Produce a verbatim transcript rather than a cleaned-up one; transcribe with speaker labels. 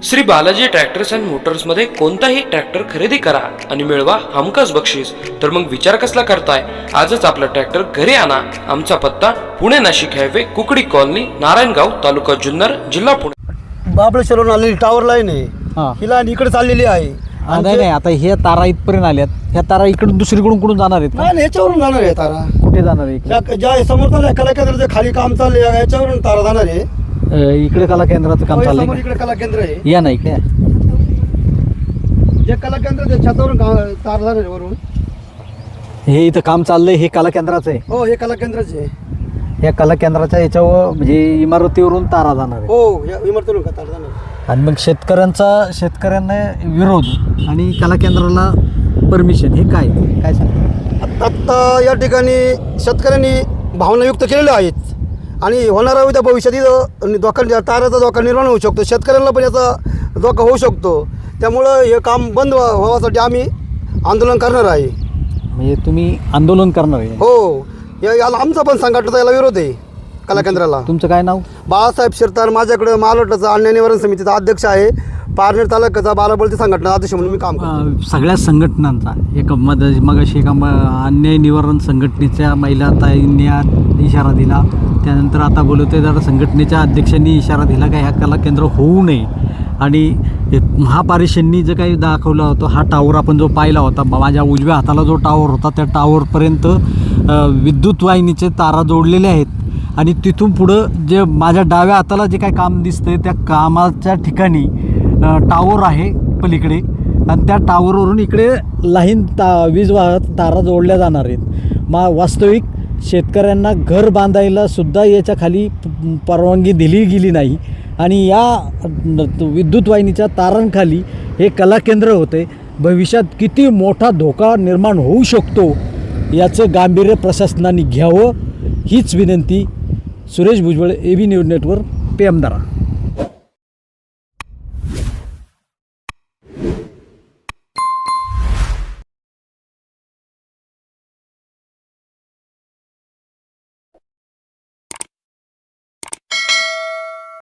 Speaker 1: Shri Balaji tractors and मोटर्समध्ये कोणताही tractor खरेदी करा आणि मिळवा हमखास बक्षीस. तर मग विचार कसला करताय? आजच आपला ट्रॅक्टर घरी आणा. आमचा पत्ता पुणे नाशिक हायवे, कुकडी कॉलनी, नारायणगाव, तालुका जुन्नर, जिल्हा पुणे.
Speaker 2: बाबळेश्वरून आलेली टावर लाईन आहे,
Speaker 3: हां
Speaker 2: हिला इकडे चाललेली आहे.
Speaker 3: नाही नाही, आता हे तारा इथपर्यंत आल्यात. ह्या तारा इकडून दुसरीकडून कुठून जाणार आहेत का?
Speaker 2: नाही याच्यावरून जाणार आहे तारा.
Speaker 3: कुठे जाणार आहे?
Speaker 2: ज्या- ज्या समोर चालू आहे कला केंद्राचं खाली काम चालू आहे, याच्यावरून तारा जाणार आहे.
Speaker 3: अ, इकडे कला केंद्राचं काम
Speaker 2: समोर
Speaker 3: चाललंय
Speaker 2: इकडे कला केंद्र आहे.
Speaker 3: का? या ना इकडे.
Speaker 2: जे कला केंद्र आहे, छतावरून गा- तार जाणार आहे वरून.
Speaker 3: हे इथं काम चाललंय, हे कला केंद्राचं आहे.
Speaker 2: हो हे कला केंद्राचे आहे.
Speaker 3: या कला केंद्राच्या याच्यावर म्हणजे इमारतीवरून तारा जाणार आहे.
Speaker 2: हो या इमारतीवरून का तार जाणार आहे.
Speaker 3: आणि मग शेतकऱ्यांचा शेतकऱ्यांना विरोध आणि कला केंद्राला परमिशन, हे काय काय सांग?
Speaker 2: आत्ता या ठिकाणी शेतकऱ्यांनी भावनायुक्त केलेल्या आहेत आणि होणारा उद्या भविष्यात धोका, ताराचा धोका निर्माण होऊ शकतो. शेतकऱ्यांना पण याचा धोका होऊ शकतो. त्यामुळं हे काम बंद व्हा- व्हावासाठी आम्ही आंदोलन करणार आहे.
Speaker 3: म्हणजे तुम्ही आंदोलन करणार आहे?
Speaker 2: हो या- याला आमचा पण संघटनेचा याला विरोध आहे. कला केंद्राला.
Speaker 3: तुमचं काय नाव?
Speaker 2: बाळासाहेब शिरतार. माझ्याकडे महाराष्ट्राचा अन्याय निवारण समितीचा अध्यक्ष आहे. पारनेर तालुक्याचा बालाबळती संघटना अध्यक्ष म्हणून मी काम करतो.
Speaker 3: अ, सगळ्या संघटनांचा एक मद मगाशी एका म- अन्याय निवारण संघटनेच्या महिला ताईंनी आज इशारा दिला. त्यानंतर आता बोलवतेदार संघटनेच्या अध्यक्षांनी इशारा दिला का ह्या कला केंद्र होऊ नये. आणि हे महापारिषदनी जे काही दाखवलं होतं, हा टावर आपण जो पाहिला होता, माझ्या उजव्या हाताला जो टावर होता त्या टावरपर्यंत अ, विद्युत वाहिनीचे तारा जोडलेले आहेत. आणि तिथून पुढं जे माझ्या डाव्या हाताला जे काही काम दिसतंय त्या कामाच्या ठिकाणी टावर आहे पलीकडे, आणि त्या टावरवरून इकडे लाईन ता वीज वाहत तारा जोडल्या जाणार आहेत. मा वास्तविक शेतकऱ्यांना घर बांधायला सुद्धा याच्या खाली प- परवानगी दिली गेली नाही. आणि या विद्युत वाहिनीच्या तारांखाली हे कला केंद्र होते. भविष्यात किती मोठा धोका निर्माण होऊ शकतो याचं गांभीर्य प्रशासनाने घ्यावं, हीच विनंती. Suresh Bhujbal, A B news network, पेमदारा.